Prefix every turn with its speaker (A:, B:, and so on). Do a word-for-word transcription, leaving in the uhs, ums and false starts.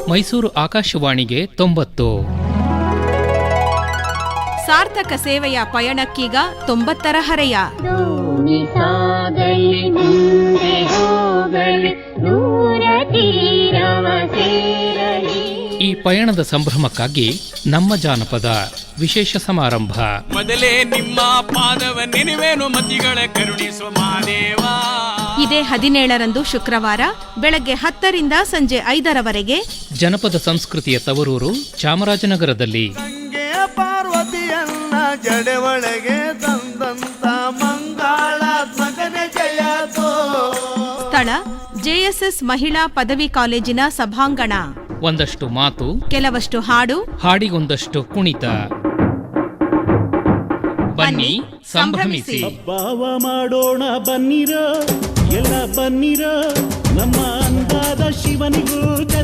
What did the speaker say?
A: ಮೈಸೂರು ಆಕಾಶವಾಣಿಗೆ ತೊಂಬತ್ತು.
B: ಸಾರ್ಥಕ ಸೇವೆಯ ಪಯಣಕ್ಕೀಗ ತೊಂಬತ್ತರ ಹರೆಯ.
A: ಈ ಪಯಣದ ಸಂಭ್ರಮಕ್ಕಾಗಿ ನಮ್ಮ ಜಾನಪದ ವಿಶೇಷ ಸಮಾರಂಭ.
C: ಮೊದಲೇ ನಿಮ್ಮ ಪಾದವ ನೆನೆವೇನು ಮತಿಗಳ ಕರುಣಿಸುವ ಮಾದೇವ.
B: ಇದೇ ಹದಿನೇಳರಂದು ಶುಕ್ರವಾರ ಬೆಳಗ್ಗೆ ಹತ್ತರಿಂದ ಸಂಜೆ ಐದರವರೆಗೆ
A: ಜನಪದ ಸಂಸ್ಕೃತಿಯ ತವರೂರು ಚಾಮರಾಜನಗರದಲ್ಲಿ.
D: ಗಂಗೆಯ ಪಾರ್ವತಿಯನ್ನ ಜಡೆ ಒಳಗೆ ತಂದಂತ ಮಂಗಳಾತ್ಮಕನೆ ಜಯತೋ.
B: ಸ್ಥಳ ಜೆಎಸ್ಎಸ್ ಮಹಿಳಾ ಪದವಿ ಕಾಲೇಜಿನ ಸಭಾಂಗಣ.
A: ಒಂದಷ್ಟು ಮಾತು,
B: ಕೆಲವಷ್ಟು ಹಾಡು,
A: ಹಾಡಿಗೊಂದಷ್ಟು ಕುಣಿತ. ಬನ್ನಿ ಸಂಭ್ರಮಿಸಿ.
E: ಹಬ್ಬವ ಮಾಡೋಣ ಬನ್ನಿರ, ಎಲ್ಲ ಬನ್ನಿರ, ನಮ್ಮ ಅಂದಾದ ಶಿವನಿಗೂ